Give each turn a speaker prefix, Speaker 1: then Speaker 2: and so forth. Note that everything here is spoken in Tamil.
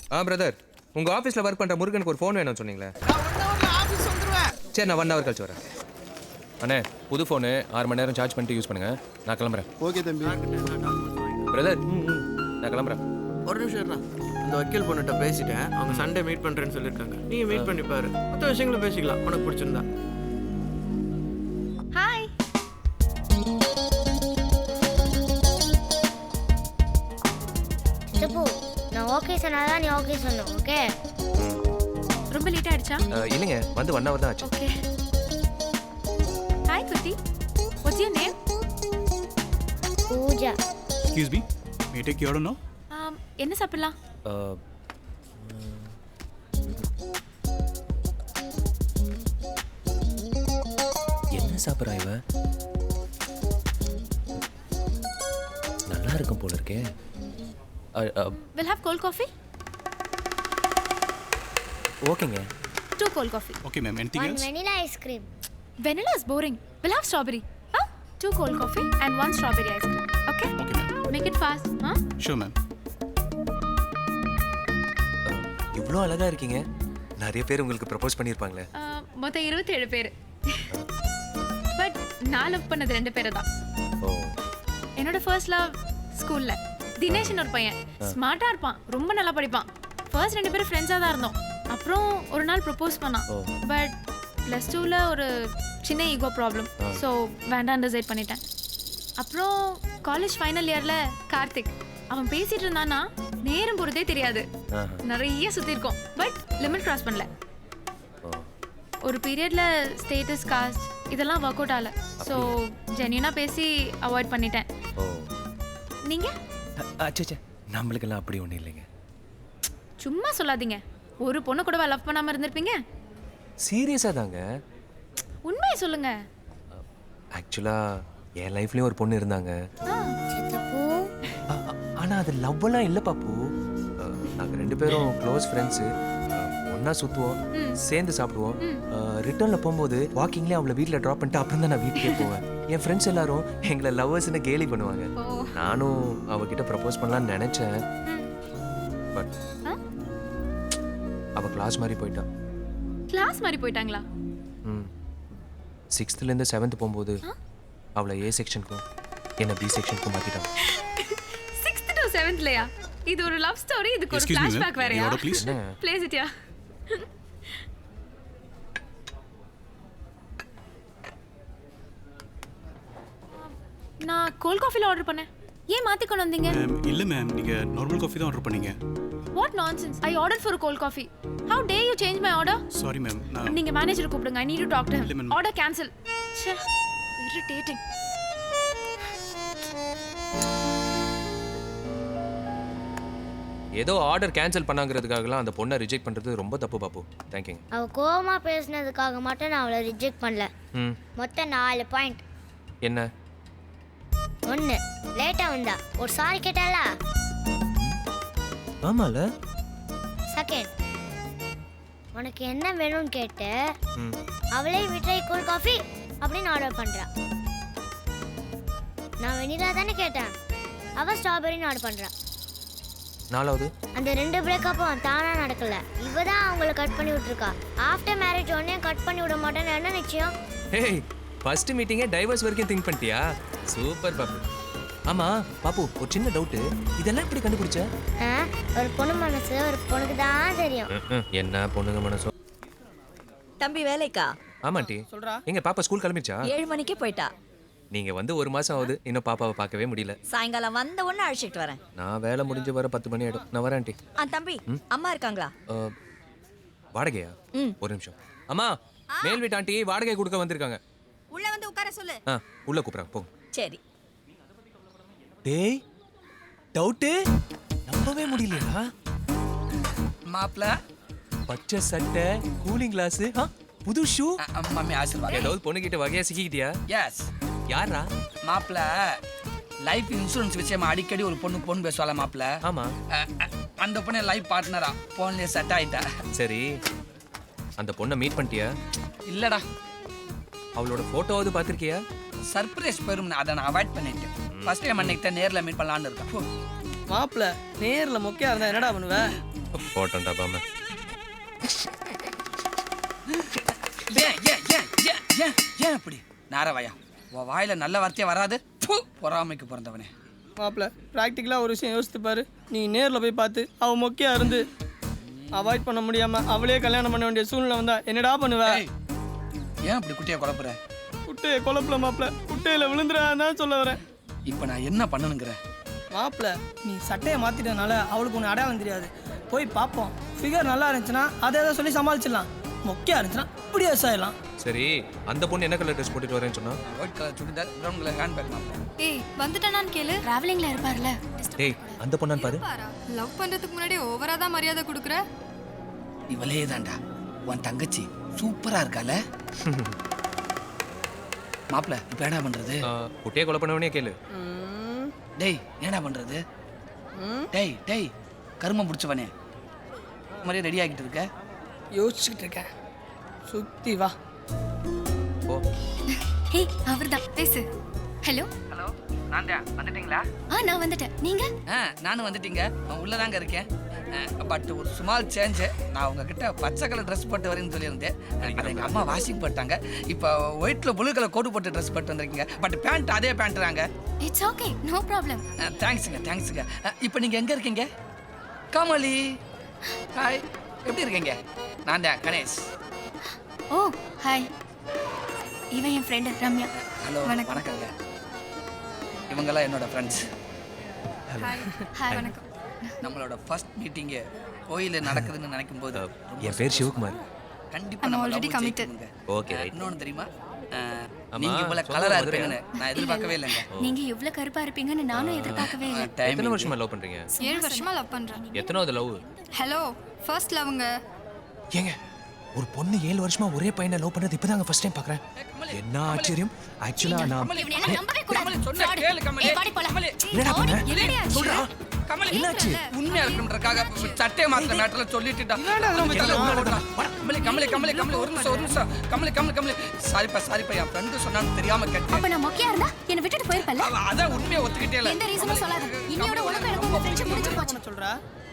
Speaker 1: பிரதர், உங்க ஆபீஸ்ல ஒர்க் பண்ற முருகனுக்கு ஒரு ஃபோன் வேணும்னு சொன்னீங்களே.
Speaker 2: நான் 1 ஹவர்ல ஆபீஸ் வந்துருவேன்.
Speaker 1: சரி, நான் 1 ஹவர் கழிச்சு வரேன். அண்ணே, புது ஃபோனு 6 மணி நேரம் சார்ஜ் பண்ணிட்டு யூஸ் பண்ணுங்க. நான் கிளம்புறேன்.
Speaker 3: ஓகே தம்பி.
Speaker 1: பிரதர், நான் கிளம்புறேன்.
Speaker 2: ஒரு நிமிஷம் இருடா. இந்த வக்கீல் பொண்ணுகிட்ட பேசிட்டேன். அவங்க சண்டே மீட் பண்றேன்னு சொல்லியிருக்காங்க. நீ மீட் பண்ணி பாரு. மற்ற விஷயங்களும் பேசிக்கலாம் உனக்கு பிடிச்சிருந்தா.
Speaker 4: ஹாய்.
Speaker 5: சித்தப்பு, நான் ஓகே சொன்னாதான் நீ ஓகே சொன்ன. ஓகே.
Speaker 4: ரொம்ப லேட் ஆயிடுச்சா?
Speaker 1: இல்லைங்க, வந்து 1 ஹவர் தான் ஆச்சு.
Speaker 4: ஓகே. ஹாய் குட்டி. What's your name?
Speaker 5: Pooja.
Speaker 3: Excuse me, may take you order no?
Speaker 4: என்ன சாப்பிடலாம்?
Speaker 1: என்ன சாப்பிட்றா இவ? நல்லா இருக்கும் போல இருக்கே.
Speaker 4: We'll have cold coffee?
Speaker 1: ஓகேங்க.
Speaker 4: 2 cold coffee.
Speaker 3: Okay ma'am, anything
Speaker 5: One
Speaker 3: else?
Speaker 5: vanilla ice cream.
Speaker 4: Vanilla is boring. We'll have strawberry. Huh? 2 cold coffee and 1 strawberry ice cream. Okay?
Speaker 3: Okay ma'am.
Speaker 4: Make it fast. Huh?
Speaker 3: Sure ma'am.
Speaker 1: இவ்வளோ அழகா இருக்கீங்க. நிறைய பேர் உங்களுக்கு ப்ரப்போஸ் பண்ணியிருப்பாங்களே.
Speaker 4: மொத்தம் 27 பேர். பட் நான் லவ் பண்ணது 2 பேரை தான்.
Speaker 1: ஓ.
Speaker 4: என்னோட ஃபர்ஸ்ட் லவ் ஸ்கூல்ல தினேஷ்னு ஒரு பையன். ஸ்மார்ட்டா இருப்பான், ரொம்ப நல்லா படிப்பான். ஃபர்ஸ்ட் 2 பேரும் ஃப்ரெண்ட்ஸாக தான் இருந்தோம். அப்புறம் ஒரு நாள் ப்ரப்போஸ் பண்ணான். பட் +2ல ஒரு சின்ன ஈகோ ப்ராப்ளம். ஸோ வேண்டாம் டிசைட் பண்ணிட்டேன். அப்புறம் காலேஜ் ஃபைனல் இயரில் கார்த்திக், அவன் பேசிட்டு இருந்தானா நேரம் போகிறதே தெரியாது. நிறைய சுற்றிருக்கோம், பட் லிமிட் கிராஸ் பண்ணல. ஒரு பீரியட்ல ஸ்டேட்டஸ், காஸ்ட் இதெல்லாம் ஒர்க் அவுட் ஆகல. ஸோ ஜென்யூனாக பேசி அவாய்ட் பண்ணிட்டேன். நீங்க?
Speaker 1: அச்சே, நம்மளுக்கெல்லாம் அப்படி ஒன்றும் இல்லைங்க.
Speaker 4: சும்மா சொல்லாதீங்க. ஒரு பொண்ணு கூட லவ் பண்ணாம இருந்திருப்பீங்க?
Speaker 1: சீரியஸா தாங்க.
Speaker 4: உண்மையை சொல்லுங்க.
Speaker 1: ஆக்சுவலா என் லைஃப்லயும் ஒரு பொண்ணு இருந்தாங்க.
Speaker 5: சித்தப்பு,
Speaker 1: ஆனா அது லவ்வெல்லாம் இல்லை பாப்பு. நாங்க 2 பேரும் க்ளோஸ் ஃப்ரெண்ட்ஸு. ஒன்னா சுற்றுவோம், சேர்ந்து சாப்பிடுவோம். ரிட்டர்னில் போகும்போது வாக்கிங்லேயே அவளை வீட்டில் ட்ராப் பண்ணிட்டு அப்புறம் தான் நான் வீட்டுக்கே போவேன். என் ஃப்ரெண்ட்ஸ் எல்லாரும் எங்களை லவ்வர்ஸ்ன்னு கேலி பண்ணுவாங்க. நானும் அவகிட்ட ப்ரப்போஸ் பண்ணலான்னு நினச்சேன். பட் அவள் கிளாஸ் மாதிரி போயிட்டா.
Speaker 4: கிளாஸ் மாதிரி போயிட்டாங்களா?
Speaker 1: 6th-லேருந்து 7th போகும்போது அவளை A செக்ஷனுக்கும் என்ன B செக்ஷனுக்கும் மாற்றிட்டாங்க.
Speaker 4: 6th to 7thலயா? இது ஒரு லவ் ஸ்டோரி, இதுக்கு ஒரு ஃபிளாஷ்பேக் வேறயா?
Speaker 3: Order please.
Speaker 4: Place it yeah. நான் கோல்ட் காஃபில ஆர்டர் பண்ணேன். ஏன் மாத்தி கொண்டு வந்தீங்க?
Speaker 3: மேம் இல்ல மேம், நீங்க நார்மல் காஃபி தான் ஆர்டர் பண்ணீங்க.
Speaker 4: What nonsense. I ordered for a cold coffee. How dare you change my order?
Speaker 3: Sorry ma'am.
Speaker 4: நீங்க மேனேஜர் கூப்பிடுங்க. I need to talk to
Speaker 3: இல்ல
Speaker 4: him.
Speaker 3: மேம்.
Speaker 4: Order cancel. ச்சே, irritating.
Speaker 1: ஏதோ ஆர்டர் கேன்சல் பண்ணாங்கிறதுக்காகலாம் அந்த பொண்ணை ரிஜெக்ட் பண்ணுறது ரொம்ப தப்பு பாப்பு. தேங்க்யூங்க.
Speaker 5: அவ கோவமா பேசினதுக்காக மட்டும் நான் அவளை ரிஜெக்ட் பண்ணல. மொத்தம் 4 பாயிண்ட்.
Speaker 1: என்ன?
Speaker 5: 1, லேட்டா வந்தா. ஒரு சாரி கேட்டாளா?
Speaker 1: ஆமால.
Speaker 5: 2, உனக்கு என்ன வேணும்னு கேட்டு அவளே விட்ரை கூல் காஃபி அப்படின்னு ஆர்டர் பண்றா. நான் வெனிலா தானே கேட்டேன், அவ ஸ்ட்ராபெரின்னு ஆர்டர் பண்றா.
Speaker 1: 4வது,
Speaker 5: அந்த 2 பிரேக்கப்பும் தானா நடக்கல. இவ தான் அவங்கள கட் பண்ணி விட்டுருக்கா. ஆஃப்டர் மேரேஜ் உடனே கட் பண்ணி விட மாட்டேன்னு என்ன நிச்சயம்?
Speaker 1: ஹேய், ஃபர்ஸ்ட் மீட்டிங்கே டைவர்ஸ் வரைக்கும் திங்க் பண்ணிட்டியா? சூப்பர் பாப்பு. ஆமா பாப்பு, ஒரு சின்ன டவுட்டு, இதெல்லாம் எப்படி கண்டுபிடிச்ச?
Speaker 5: ஒரு பொண்ணு மனசு ஒரு பொண்ணுக்கு தான் தெரியும்.
Speaker 1: என்ன பொண்ணுங்க மனசோ.
Speaker 6: தம்பி வேலைக்கா?
Speaker 1: ஆமாண்டி.
Speaker 2: சொல்றா.
Speaker 1: எங்க பாப்பா ஸ்கூல் கிளம்பிடுச்சா?
Speaker 6: 7 மணிக்கே போயிட்டா.
Speaker 1: நீங்க வந்து 1 மாசம் ஆகுது, இன்னும் பாப்பாவை பார்க்கவே முடியல.
Speaker 6: சாயங்காலம் வந்த உடனே அழைச்சிட்டு வரேன்.
Speaker 1: நான் வேலை முடிஞ்சு வர 10 மணி ஆயிடும். நான் வரேன் ஆண்டி.
Speaker 6: தம்பி அம்மா இருக்காங்களா?
Speaker 1: வாடகையா? ஒரு நிமிஷம். அம்மா, மேல் வீட்டு ஆண்டி வாடகை கொடுக்க வந்திருக்காங்க.
Speaker 6: உள்ள வந்து உட்கார சொல்லு.
Speaker 1: உள்ள கூப்பிடுறாங்க, போங்க.
Speaker 6: சரி.
Speaker 1: டேய், டவுட்டு நம்பவே முடியலையா?
Speaker 7: மாப்ள
Speaker 1: பச்சை சட்டை, கூலிங் கிளாஸ், புது ஷூ.
Speaker 7: மம்மி ஆசீர்வாதம்.
Speaker 1: ஏதாவது பொண்ணுகிட்ட வகையா சிக்கிக்கிட்டியா?
Speaker 7: எஸ்.
Speaker 1: யாரா?
Speaker 7: மாப்ள லைஃப் இன்சூரன்ஸ் விஷயமா அடிக்கடி ஒரு பொண்ணு பேசுவாள மாப்ள.
Speaker 1: ஆமா.
Speaker 7: அந்த பொண்ணு லைஃப் பார்ட்னரா போன்லயே செட் ஆயிட்டா.
Speaker 1: சரி, அந்த பொண்ணை மீட் பண்ணிட்டியா?
Speaker 7: இல்லடா.
Speaker 1: அவளோட போட்டோவாவது பார்த்திருக்கியா?
Speaker 7: சர்ப்ரைஸ் பெரும், அதை நான் அவாய்ட் பண்ணிட்டேன். ஃபர்ஸ்ட் டைம் அன்னைக்கு நேர்ல மீட் பண்ணலாம்னு இருக்கேன்.
Speaker 2: மாப்பிள்ள நேர்ல மொக்கையா இருந்தா என்னடா பண்ணுவ?
Speaker 1: போட்டோம்டா பாம.
Speaker 7: ஏன் ஏன் ஏன் ஏன் ஏன் ஏன் அப்படி நாரவாயா உன் வாயில நல்ல வார்த்தையே வராது. பொறாமைக்கு பிறந்தவனே.
Speaker 2: மாப்பிள்ள ப்ராக்டிக்கலாக ஒரு விஷயம் யோசித்து பாரு. நீ நேரில் போய் பார்த்து அவள் மொக்கையா இருந்து அவாய்ட் பண்ண முடியாம அவளே கல்யாணம் பண்ண வேண்டிய சூழ்நிலை வந்தா என்னடா பண்ணுவ?
Speaker 7: ஏன் அப்படி குட்டியை குழப்புற?
Speaker 2: குட்டையை குழப்பல மாப்பிள்ள, குட்டையில விழுந்துடாதான் சொல்ல வரேன்.
Speaker 7: இப்போ நான் என்ன பண்ணணுங்கிற?
Speaker 2: மாப்பிள்ள நீ சட்டையை மாத்திட்டனால அவளுக்கு ஒன்று அடையாளம் தெரியாது. போய் பார்ப்போம். ஃபிகர் நல்லா இருந்துச்சுன்னா அதை எதாவது சொல்லி சமாளிச்சிடலாம். மொக்கையா இருந்துச்சுன்னா இப்படியே ஆயிடலாம்.
Speaker 1: சரி அந்த பொண்ணு என்ன கலர் ட்ரெஸ் போட்டுட்டு வரேன்னு சொன்னா?
Speaker 7: White colour churidar, brown colour hand bag. மாப்பிள்ள
Speaker 4: ஏய் வந்துட்டானான்னு கேளு. டிராவலிங்ல இருப்பார்ல.
Speaker 1: டேய் அந்த பொண்ணான்னு பாரு.
Speaker 8: லவ் பண்றதுக்கு முன்னாடி ஓவரா தான் மரியாதை கொடுக்குற.
Speaker 7: இவளே தான்டா உன் தங்கச்சி. சூப்பரா இருக்கால மாப்பிள்ள. இப்போ என்ன பண்றது?
Speaker 1: குட்டியை கொலை பண்ணவனே கேளு.
Speaker 7: டேய் என்னடா பண்றது? டேய் டேய் கருமம் பிடிச்சவனே, மாதிரியே ரெடி ஆகிட்டு இருக்க?
Speaker 2: யோசிச்சுக்கிட்டு இருக்கேன். சுத்தி வா.
Speaker 1: ஓ
Speaker 4: ஹே அவர்தான் பேசு. ஹலோ
Speaker 7: ஹலோ நான் தான். வந்துட்டீங்களா?
Speaker 4: நான் வந்துட்டேன். நீங்க?
Speaker 7: நானும் வந்துட்டீங்க. நான் உள்ளதாங்க இருக்கேன். பட் ஒரு ஸ்மால் சேஞ்சு. நான் உங்ககிட்ட பச்சை கலர் ட்ரெஸ் போட்டு வரேன்னு சொல்லியிருந்தேன். அதை எங்கள் அம்மா வாஷிங் போட்டாங்க. இப்போ ஒயிட்டில் ப்ளூ கலர் கோட் போட்டு ட்ரெஸ் போட்டு வந்திருக்கீங்க. பட் பேண்ட் அதே பேண்ட்டுறாங்க.
Speaker 4: It's okay, no problem.
Speaker 7: தேங்க்ஸுங்க தேங்க்ஸுங்க. இப்போ நீங்கள் எங்கே இருக்கீங்க? கமலி ஹாய், எப்படி இருக்கீங்க? நான் தான் கணேஷ்.
Speaker 4: ஓ ஹாய். இவன் என் ஃப்ரெண்டு ரம்யா.
Speaker 7: ஹலோ வணக்கங்க. இவங்கெல்லாம் என்னோட ஃப்ரெண்ட்ஸ்.
Speaker 4: ஹாய் வணக்கம்.
Speaker 7: நம்மளோட ஃபர்ஸ்ட் மீட்டிங்கு கோயிலில் நடக்குதுன்னு நினைக்கும் போது
Speaker 1: என் பேர் சிவகுமார்.
Speaker 7: கண்டிப்பாக நம்ம ஆல்ரெடி கமிட்டட்.
Speaker 1: ஓகே
Speaker 7: இன்னொன்னு தெரியுமா? நீங்க இவ்வளவு கலரா இருப்பீங்கன்னு நான் எதிர்பார்க்கவே இல்லைங்க.
Speaker 4: நீங்க இவ்ளோ கருப்பா இருப்பீங்கன்னு நானும் எதிர்பார்க்கவே இல்லை.
Speaker 1: எத்தனை வருஷமா லவ் பண்றீங்க?
Speaker 8: 7 வருஷமா லவ் பண்றேன்.
Speaker 1: எத்தனாவது லவ்?
Speaker 8: Hello first லவ்ங்க.
Speaker 1: ஏங்க ஒரு பொண்ணு 7 வருஷமா ஒரே பையனை லவ் பண்ணது இப்பதாங்க ஃபர்ஸ்ட் டைம் பார்க்கறேன். என்ன ஆச்சரியம். ஆக்சுவலா நான்
Speaker 4: இவனை எல்லாம் நம்பவே கூடாது.
Speaker 7: கமலி சொன்னா கேளு கமலி.
Speaker 4: ஏய், வாடி போலாம்.
Speaker 7: கமலி
Speaker 1: என்னடா பண்ண?
Speaker 4: என்னடி ஆச்சு?
Speaker 1: சொல்றா.
Speaker 7: கமலி
Speaker 1: என்னாச்சு?
Speaker 7: உண்மையா இருக்கணும்ன்றக்காக சட்டையை மாத்திர மேட்டர்ல சொல்லிட்டுடா. கமலி கமலி கமலி கமலி ஒரு நிமிஷம். கமலி கமலி கமலி சாரிப்பா என் ஃப்ரெண்டு சொன்னான்னு தெரியாம கேட்டேன்.
Speaker 4: அப்ப நான் மொக்கையா இருந்தா என்னை விட்டுட்டு போயிருப்பல்ல.
Speaker 7: அதான் உண்மையை ஒத்துக்கிட்டே இல்ல.
Speaker 4: எந்த ரீசனும் சொல்லாத. இன்னையோட உனக்கு எனக்கு உங்க ஃப்ரெண்ட்ஷிப் முடிஞ்சு போச்சு.
Speaker 2: சொல்றா